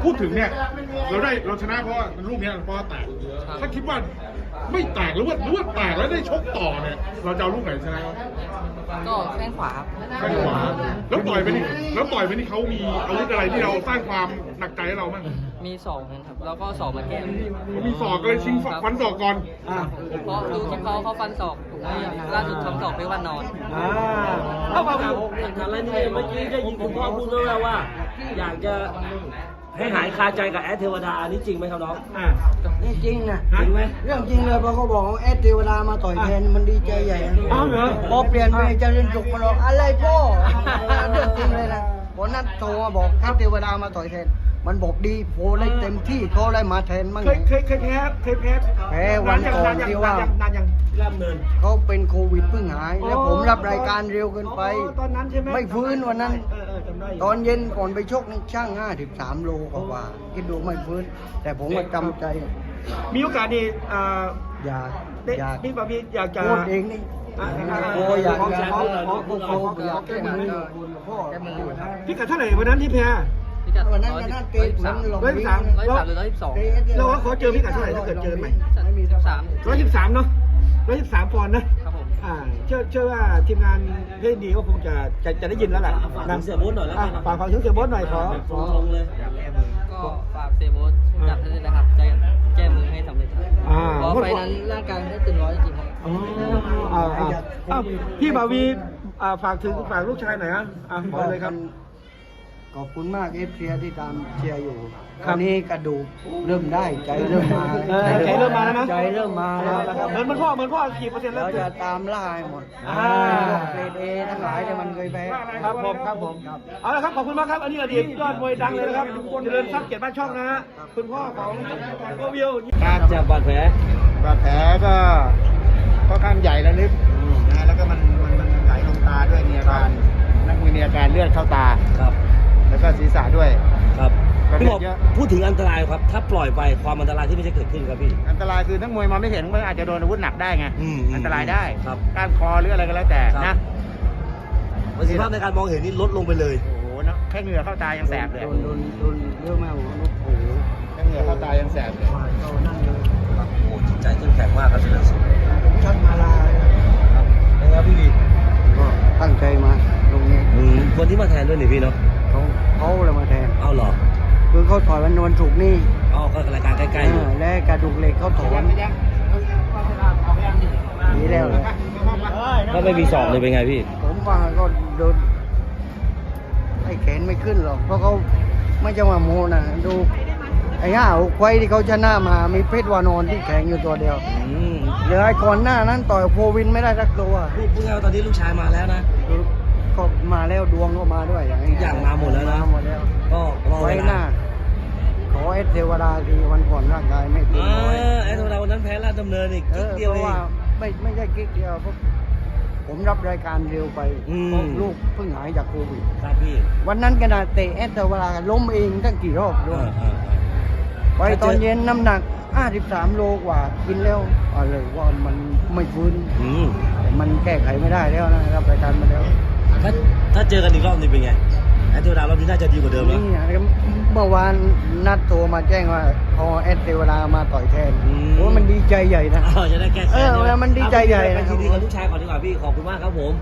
พูดถึงเนี่ยเราชนะเพราะลูกเนี้ยเพราะแตกถ้าคิดว่าไม่แตกหรือว่าแตกแล้วได้ชกต่อเนี่ยเราจะเอาลูกไหนชนะก็แข้งขวาครับแข้งขวาแล้วต่อยไปนี่เขามีอาวุธอะไรที่เราสร้างความหนักใจให้เราบ้างมีศอกนะครับแล้วก็ศอกมาแก้เขามีศอกเลยชิงฟันศอกก่อนเพราะดูที่เขาฟันศอกถูกไหมล่าสุดทำศอกไปวันนอนเข้ามาอะไรนี่เมื่อกี้ได้ยินคุณพ่อพูดแล้วว่า อยากจะให้หายคาใจกับแอดเทวดาอันนี้จริงไหมครับน้องนี่จริงนะจริงไหมเรื่องจริงเลยพอเขาบอกว่าแอดเทวดามาต่อยแทนมันดีใจใหญ่นะอ้าวเหรอพอเปลี่ยนไปเจะเรียนจุกมาบอกอะไรพ่อเรื่องจริงเลยนะวันนั้นโทรมาบอกแอดเทวดามาต่อยแทนมันบอกดีโพได้เต็มที่เขาได้มาแทนมั่งเคยแพ้วันก่อนที่ว่าเริ่มเนินเขาเป็นโควิดเพิ่งหาย แล้วผมรับรายการเร็วเกินไปตอนนั้นใช่ไหมไม่ฟื้นวันนั้นจำได้ตอนเย็นก่อนไปชกนี่ช่าง53 โลกว่าคิดดูไม่ฟื้น แต่ผมก็จำใจมีโอกาสดีอยากพี่บาบีอยากจะพูดเองนี่โอ้อยากจะโอ้อยากแก้มือพ่อพี่กัดเท่าไหร่วันนั้นที่แพ้พิกัดวันนั้นก็น่าเตะเหมือนหลง 113 103หรือ112 เราว่าขอเจอพี่กัดเท่าไหร่ถ้าเกิดเจอไหม 3 113เนาะ113ปอนด์นะครับผมเชื่อว่าทีมงานเพลงดีก็คงจะได้ยินแล้วแหละฝากเสียโบ๊ทหน่อยแล้วกันฝากถึงเสียโบ๊ทหน่อยขอเลยก็ฝากเซโบสจับให้ด้วยนะครับใจแก้มือให้สำเร็จครับเพราะไฟนั้นร่างกายไม่ได้ตึงร้อยจริงๆครับพี่บาวีฝากลูกชายหน่อยฮะขอเลยครับขอบคุณมากเอฟซีที่ตามเชียร์อยู่คราวนี้กระดูกเริ่มได้ใจเริ่มมาใจเริ่มมาแล้วนะใจเริ่มมาแล้วเหมือนพ่อกี่เปอร์เซ็นต์แล้วเราจะตามล่าให้หมดเกรดเอทั้งหลายที่มันเคยแพ้ครับผมเอาละครับขอบคุณมากครับอันนี้อดีตยอดมวยดังเลยนะครับเจริญทรัพย์เกียรติบ้านช่องนะฮะคุณพ่อของโกวิวจากบาดแผลบาดแผลก็ค่อนข้างใหญ่และลึกนะแล้วก็มันไหลลงตาด้วยมีอาการนักมวยมีอาการเลือดเข้าตาครับแล้วก็ศีรษะด้วยครับก็พี่บอกเยอะพูดถึงอันตรายครับ ถ้าปล่อยไปความอันตรายที่มันจะเกิดขึ้นครับพี่อันตรายคือนักมวยมาไม่เห็นมันอาจจะโดนอาวุธหนักได้ไง อันตรายได้ครับก้านคอหรืออะไรก็แล้วแต่ครันะบ ประสิทธิภาพในการมองเห็นนี่ลดลงไปเลยโอ้โหเนอะแค่เหงื่อเข้าตายังแสบเลยโดนเยอะมากโอ้โหแค่เหงื่อเข้าตายังแสบเลยเรานั่นเลยครับโอ้จิตใจเข้มแข็งมากครับเจริญสุขชัดมาลาครับนะครับพี่วีก็ตั้งใจมาตรงนี้คนที่มาแทนด้วยนี่พี่เนาะเขาเลยมาแทนเอาเหรอคือเขาถอยวันศุกร์นี่อ๋อก็รายการใกล้ๆอยู่และกระดูกเหล็กเขาถอนดีแล้วเลยถ้าไม่มีสอบเลยเป็นไงพี่ผมว่าก็โดนไอ้แขนไม่ขึ้นหรอกเพราะเขาไม่จะมาโมนะดูไอ้5 6 ไฟที่เขาชนะมามีเพชรวานอนที่แข็งอยู่ตัวเดียวเหลือไอ้ก่อนหน้านั้นต่อยโควินไม่ได้สักตัวพูดง่ายๆว่าตอนนี้ลูกชายมาแล้วนะก็มาแล้วดวงก็มาด้วยอย่างทุกอย่างมาหมดแล้วนะมาหมดแล้วก็รอไว้เวหน้าลาขอเอสเทวดาคือวันก่อนร่างกายไม่เต็มร้อยไอ้ธรรมดาวันนั้นแพ้ราชดำเนินอีกนิดเดียวเพเอราะงว่าไม่ใช่กิ๊กเดียวเพราะผมรับรายการเร็วไปอืมเพราะลูกเพิ่งหายจากโควิดครับพี่วันนั้นขนาดเตะเอสเทวดาล้มเองตั้งกี่รอบด้วยไปตอนเย็นน้ำหนัก53 โลกว่ากินแล้วอะไรว่ามันไม่ฟื้น มันแก้ไขไม่ได้แล้วนะครับรายการมาแล้วถ้าเจอกันอีกรอบนี้เป็นไงไอ้เทวดารอบนี้น่าจะดีกว่าเดิมแล้วนี่นะครับเมื่อวานนัดโทรมาแจ้งว่าพอเอสเทวดามาต่อยแทนโอ้มันดีใจใหญ่นะจะได้แก้แค้นมันดีใจใหญ่ไปนะครับยินดีกับลูกชายก่อนดีกว่าพี่ขอบคุณมากครับผม